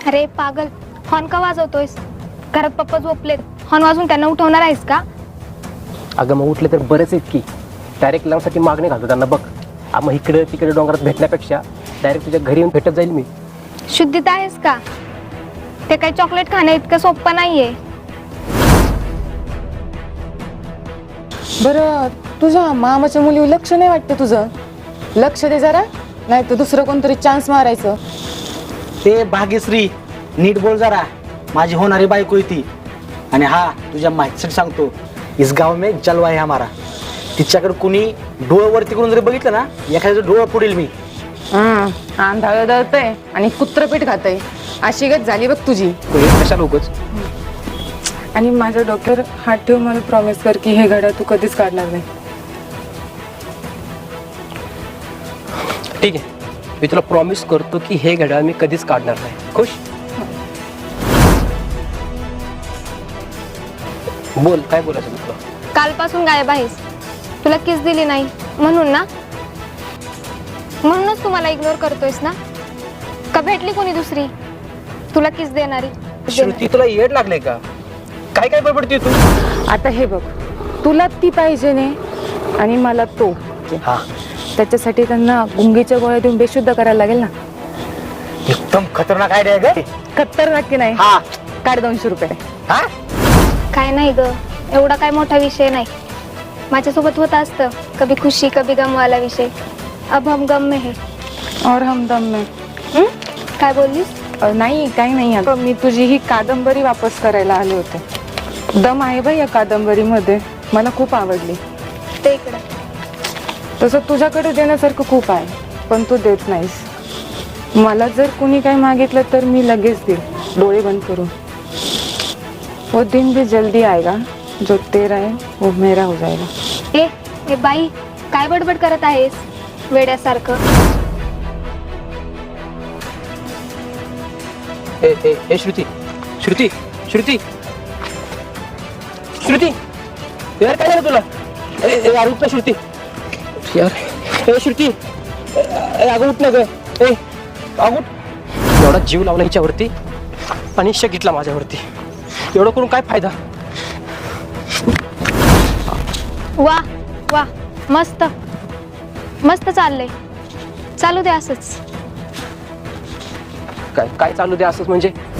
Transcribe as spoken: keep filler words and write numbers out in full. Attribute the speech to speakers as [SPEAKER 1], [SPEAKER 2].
[SPEAKER 1] अरे पागल, हॉर्न का वाजवतोयस? घरात पप्पा झोपलेत, हॉर्न वाजून त्यांना उठवणार आहेस का?
[SPEAKER 2] अगं मग उठले तर बरेच आहेत की. डायरेक्ट लावण्यासाठी मागणी घालतो त्यांना बघ. मग इकडे तिकडे डोंगरात भेटण्यापेक्षा डायरेक्ट तुझ्या घरी येऊन भेटत जाईल मी.
[SPEAKER 1] शुद्धीत आहेस का? ते काही चॉकलेट खाणं इतकं सोपं नाहीये.
[SPEAKER 3] बरं, तुझ्या मामाच्या मुलीवर लक्ष नाही वाटतं तुझं? लक्ष दे जरा, नाही तर दुसरं कोणतरी चान्स मारायचं.
[SPEAKER 4] ते भाग्यश्री, नीट बोल जरा. माझी होणारी बायको आहे ती. आणि हा तुझ्या माहितीसाठी सांगतो, इस गाव में जलवा आहे हमारा. तिच्याकडे कुणी डोळं वरती करून जरी बघितलं ना, एखाद्याचं डोळं पुढील मी.
[SPEAKER 3] हम्म आंधळ दळतय आणि कुत्रपीठ खातय, अशी गत झाली बघ तुझी.
[SPEAKER 2] कशाला उगच.
[SPEAKER 3] आणि माझ्या डोक्यावर हात ठेव, मला प्रॉमिस कर की हे घड्याळ तू कधीच काढणार नाही.
[SPEAKER 2] ठीक आहे, मी तुला प्रॉमिस करतो की हे घड्याळ मी कधीच काढणार नाही. खुश? बोल, काय बोलायचं तुला?
[SPEAKER 1] कालपासून गायब आहेस. तुला किस दिली नाही म्हणून ना? म्हणूनच तू मला इग्नोर करतोयस ना? का भेटली कोणी दुसरी तुला किस देणारी?
[SPEAKER 2] श्रुती, तुला येड लागले का? काय काय बडबडते तू?
[SPEAKER 3] आता हे बघ, तुला ती पाहिजे नाही आणि मला तो.
[SPEAKER 2] हा,
[SPEAKER 3] त्याच्यासाठी त्यांना गुंगीच्या गोळ्या देऊन बेशुद्ध करायला लागेल ना.
[SPEAKER 4] एकदम खतरनाक आयडिया आहे ग.
[SPEAKER 3] खतर नक्की नाही.
[SPEAKER 4] हा
[SPEAKER 3] काढ दोनशे रुपये.
[SPEAKER 4] हा
[SPEAKER 1] काय नाही ग, एवढा काय मोठा विषय नाही. माझ्यासोबत होत असतं कभी खुशी कभी गम वाला विषय. अब हम गम में है.
[SPEAKER 3] और हम दम में.
[SPEAKER 1] हं? काय बोललीस?
[SPEAKER 3] अ, नाही काही नाही. अगं मी तुझी ही कादंबरी वापस करायला आले होते. दम आहे बाई या कादंबरीमध्ये, मला खूप आवडली.
[SPEAKER 1] ते इकडं.
[SPEAKER 3] तसं तुझ्याकडे देण्यासारखं खूप आहे, पण तू देत नाहीस. मला जर कुणी काही मागितलं तर मी लगेच देईल, डोळे बंद करून. वो दिन भी जल्दी आएगा जो तेरा है वो मेरा हो जाएगा.
[SPEAKER 1] ए ए बाई, काय बडबड करत आहेस वेड्यासारखं?
[SPEAKER 2] ए ए ए श्रुती, श्रुती, श्रुती, श्रुती, यार काय झालं तुला? ए ए, यार उठ ना श्रुती. यार ए श्रुती, ए, ए, अगं उठ ना ग. ए अगं उठ. एवढा जीव लावला हिच्यावरती आणि शक घेतला माझ्यावरती. एवढं करून काय फायदा?
[SPEAKER 1] वा वा, मस्त मस्त चाललंय. चालू दे असंच.
[SPEAKER 2] काय काय चालू दे असंच म्हणजे?